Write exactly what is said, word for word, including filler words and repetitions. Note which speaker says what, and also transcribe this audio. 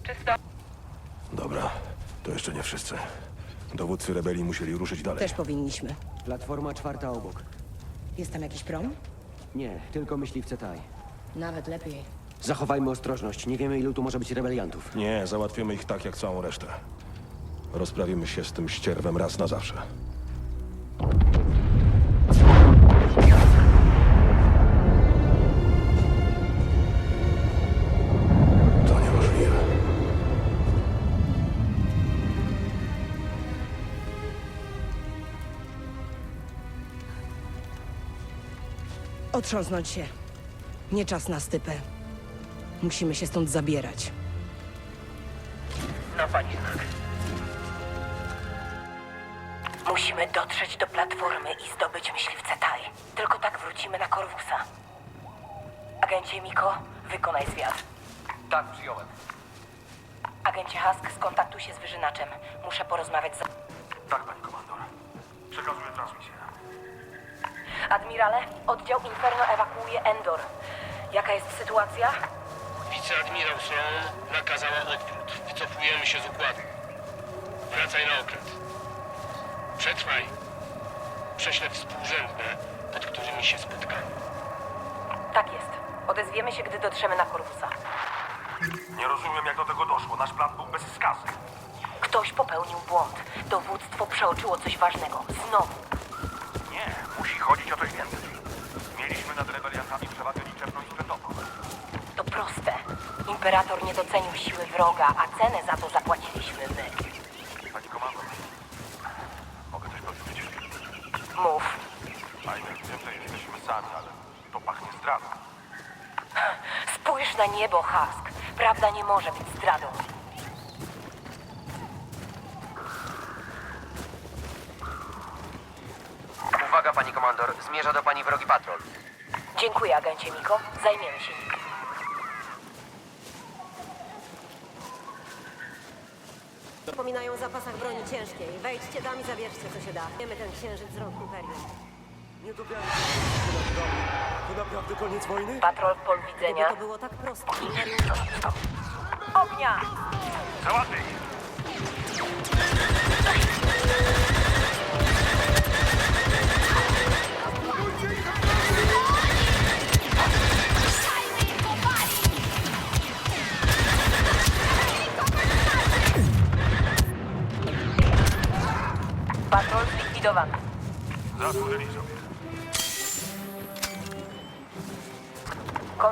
Speaker 1: Czysto.
Speaker 2: Dobra, to jeszcze nie wszyscy. Dowódcy rebelii musieli ruszyć dalej.
Speaker 3: Też powinniśmy.
Speaker 4: Platforma czwarta obok.
Speaker 3: Jest tam jakiś prom?
Speaker 4: Nie, tylko myśliwce Taj.
Speaker 3: Nawet lepiej.
Speaker 4: Zachowajmy ostrożność. Nie wiemy, ilu tu może być rebeliantów.
Speaker 2: Nie, załatwimy ich tak jak całą resztę. Rozprawimy się z tym ścierwem raz na zawsze. To niemożliwe.
Speaker 3: Otrząsnąć się. Nie czas na stypę. Musimy się stąd zabierać.
Speaker 1: Na pani znak. Musimy dotrzeć do platformy i zdobyć myśliwce Taj. Tylko tak wrócimy na Corvusa. Agencie Miko, wykonaj zwiat.
Speaker 5: Tak, przyjąłem.
Speaker 1: Agencie Husk, skontaktuj się z wyżynaczem. Muszę porozmawiać z...
Speaker 5: Tak, pani komandor. Przekazuję transmisję.
Speaker 1: Admirale, oddział Inferno ewakuuje Endor. Jaka jest sytuacja?
Speaker 6: Wiceadmirał Sloan nakazała odwrót. Wycofujemy się z układu. Wracaj na okręt. Przetrwaj. Prześlę współrzędne, pod którymi się spotkamy.
Speaker 1: Tak jest. Odezwiemy się, gdy dotrzemy na Corvusa.
Speaker 5: Nie rozumiem, jak do tego doszło. Nasz plan był bez skazy.
Speaker 1: Ktoś popełnił błąd. Dowództwo przeoczyło coś ważnego. Znowu.
Speaker 5: Nie, musi chodzić o coś więcej. Mieliśmy nad rebeliantami przewagę liczebną i sprzętową.
Speaker 1: To proste. Imperator nie docenił siły wroga, a cenę za to zapłaciliśmy my.
Speaker 5: Pani komandor, mogę coś powiedzieć?
Speaker 1: Mów.
Speaker 5: Fajne, wiem, że jesteśmy sami, ale to pachnie zdradą.
Speaker 1: Spójrz na niebo, Husk. Prawda nie może być zdradą.
Speaker 7: Uwaga, pani komandor. Zmierza do pani wrogi patrol.
Speaker 1: Dziękuję, agencie Miko. Zajmiemy się nim.
Speaker 8: Wspominają o zapasach broni ciężkiej. Wejdźcie tam i zabierzcie, co się da. Wiemy ten księżyc z rąk Imperium.
Speaker 4: Nie to To naprawdę koniec wojny?
Speaker 1: Patrol w pol
Speaker 8: Gdyby
Speaker 1: widzenia.
Speaker 8: to było tak proste, Imperium...
Speaker 1: Ognia!
Speaker 5: Załatwię ich!
Speaker 1: Patrol zlikwidowany.
Speaker 5: Zasłużyli sobie.